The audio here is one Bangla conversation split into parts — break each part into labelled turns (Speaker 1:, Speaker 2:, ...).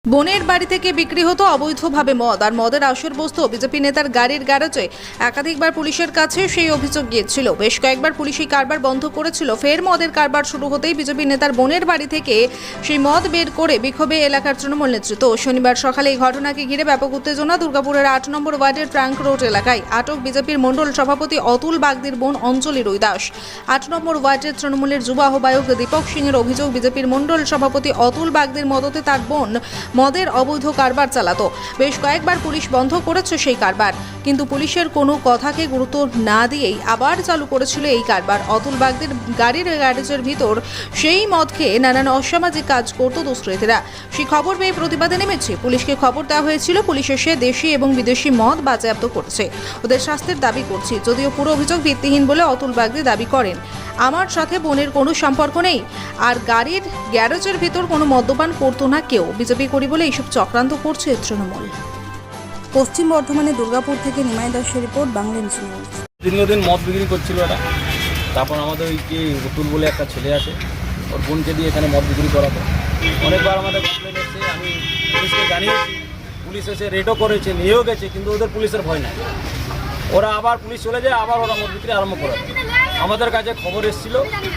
Speaker 1: বোনের বাড়ি থেকে বিক্রি হতো অবৈধভাবে মদ আর মদের আসর বসতো বিজেপি নেতার গাড়ির গ্যারেজে। একাধিকবার পুলিশের কাছে সেই অভিযোগ গিয়েছিল। বেশ কয়েকবার পুলিশ এই কারবার বন্ধ করেছিল। ফের মদের কারবার শুরু হতেই বিজেপি নেতার বোনের বাড়ি থেকে সেই মদ বের করে বিক্ষোভে এলাকার তৃণমূল নেতৃত্ব। শনিবার সকালে এই ঘটনাকে ঘিরে ব্যাপক উত্তেজনা দুর্গাপুরের 8 নম্বর ওয়ার্ডের ট্রাঙ্ক রোড এলাকায়। আটক বিজেপির মণ্ডল সভাপতি অতুল বাগদির বোন অঞ্জলি রুইদাস। 8 নম্বর ওয়ার্ডের তৃণমূলের যুব আহ্বায়ক দীপক সিংয়ের অভিযোগ, বিজেপির মণ্ডল সভাপতি অতুল বাগদির মদতে তার বোন মদের অবৈধ কারবার চালাতো। বেশ কয়েকবার পুলিশ বন্ধ করেছে সেই কারবার, কিন্তু পুলিশের কোনো কথাকে গুরুত্ব না দিয়েই আবার চালু করেছিল এই কারবার। অতুল বাগদির গাড়ির গ্যারেজের ভিতর সেই মদ খেয়ে নানান অসামাজিক কাজ করত দুষ্কৃতীরা। সেই খবর পেয়ে প্রতিবাদে নেমেছে। পুলিশকে খবর দেওয়া হয়েছিল, পুলিশ এসে দেশি এবং বিদেশি মদ বাজেয়াপ্ত করেছে। ওদের শাস্তির দাবি করছি। যদিও পুরো অভিযোগ ভিত্তিহীন বলে অতুল বাগদি দাবি করেন। আমার সাথে বোনের কোনো সম্পর্ক নেই, আর গাড়ির গ্যারেজের ভিতর কোনো মদ্যপান করতো না কেউ। বিজেপি করি বলে এইসব চক্রান্ত করছে তৃণমূল।
Speaker 2: পশ্চিম বর্ধমানে দুর্গাপুর থেকে নিমাই দাসের রিপোর্ট, বাংলা নিউজ।
Speaker 3: দীর্ঘদিন মদ বিক্রি করছিল ওরা। তারপর আমাদের ওই যে অতুল বলে একটা ছেলে আছে, ওর বোনকে দিয়ে এখানে মদ বিক্রি করাতো। অনেকবার আমাদের কমপ্লেন এসছে, আমি পুলিশকে জানিয়েছি, পুলিশ এসে রেডও করেছে, নিয়েও গেছে, কিন্তু ওদের পুলিশের ভয় নাই। ওরা আবার পুলিশ চলে যায়, আবার ওরা মদ বিক্রি আরম্ভ করে। আমাদের কাছে খবর এসেছিল,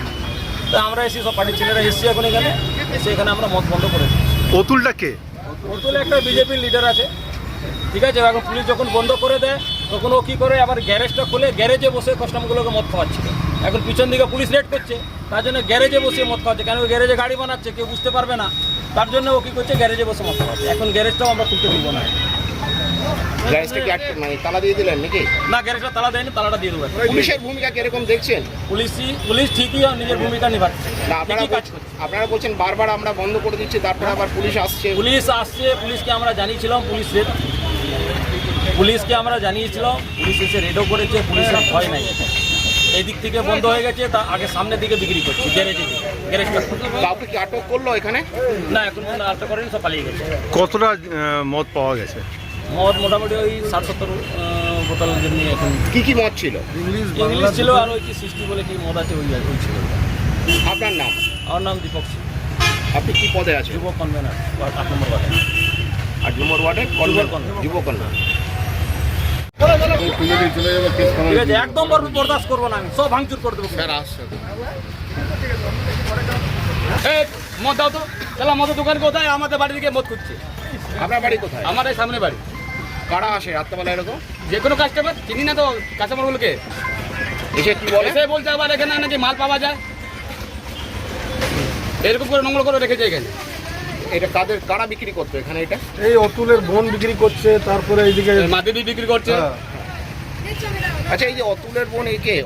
Speaker 3: তো আমরা এসে সব পার্টির ছেলেরা এসেছি এখন এখানে, এসে এখানে আমরা মদ বন্ধ করেছি।
Speaker 4: অতুলটা কে?
Speaker 3: অতুল একটা বিজেপির লিডার আছে, ঠিক আছে। এখন পুলিশ যখন বন্ধ করে দেয় তখন ও কী করে, আবার গ্যারেজটা খুলে গ্যারেজে বসে কাস্টমারগুলোকে মদ খাওয়াচ্ছিল। এখন পিছন দিকে পুলিশ রেড করছে, তার জন্য গ্যারেজে বসে মদ খাওয়াচ্ছে। কেন গ্যারেজে গাড়ি বানাচ্ছে, কেউ বুঝতে পারবে না, তার জন্য ও কী করছে, গ্যারেজে বসে মদ খাওয়াচ্ছে। এখন গ্যারেজটাও আমরা খুলতে দিব না।
Speaker 5: গ্যারেজটা কি মানে তালা দিয়ে দিলেন নাকি?
Speaker 3: না, গ্যারেজটা তালা দেয়নি, তালাটা দিয়ে দেবো।
Speaker 5: পুলিশের ভূমিকা কিরকম দেখছেন?
Speaker 3: পুলিশ ঠিকই নিজের ভূমিকা নিভাচ্ছে।
Speaker 5: না, আপনারা বলছেন বারবার আমরা বন্ধ করে দিচ্ছি, তারপরে আবার পুলিশ আসছে।
Speaker 3: পুলিশকে আমরা জানিয়েছিলাম, পুলিশকে আমরা জানিয়েছিলাম, পুলিশ এসে রেডও করেছে, পুলিশের ভয় নাই। এই দিক থেকে বন্ধ হয়ে গেছে, তা আগে সামনের দিকে বিক্রি করছি গ্যারেজটা।
Speaker 5: কাউকে কি আটক করলো এখানে?
Speaker 3: না, এখন পর্যন্ত আটক করেনি, সব পালিয়ে গেছে।
Speaker 4: কতটা মদ পাওয়া গেছে?
Speaker 3: মদ মোটামুটি ওই 60-70 বোতল জন্য। এখন
Speaker 5: কি মদ ছিল?
Speaker 3: ইংলিশ ছিল, আর ওই কি 60 বলে কি মদ আছে, ওই ছিল।
Speaker 5: আপনার নাম?
Speaker 3: আমার নাম দীপক সিং।
Speaker 5: আপনি কি পদে আছেন?
Speaker 3: যুব কনভেনার 8 নম্বর ওয়ার্ডে।
Speaker 5: 8 নম্বর ওয়ার্ডের যুব কন্যা।
Speaker 3: ঠিক আছে, একদম বরদাস্ত করবো না, আমি সব ভাঙচুর করে দেবো। মদ দাও তো, চলো মদের দোকান কোথায়? আমাদের বাড়ি থেকে মদ খুঁজছে।
Speaker 5: আপনার বাড়ি কোথায়?
Speaker 3: আমার এই সামনে বাড়ি।
Speaker 5: কারা আসে রাত্রেবেলা এরকম?
Speaker 3: যে কোনো কাস্টমার, চিনি না তো কাস্টমারগুলোকে,
Speaker 5: এসে কি বলে?
Speaker 3: এসে বলছে আবার এখানে নাকি মাল পাওয়া যায়, এরকম করে নোংরা করে রেখেছে এখানে।
Speaker 5: এটা কারা বিক্রি করতো এখানে? এটা
Speaker 4: এই অতুলের বোন বিক্রি করছে, তারপরে এইদিকে
Speaker 3: মাদেবী বিক্রি করছে।
Speaker 5: আচ্ছা, এই যে অতুলের বোন, একে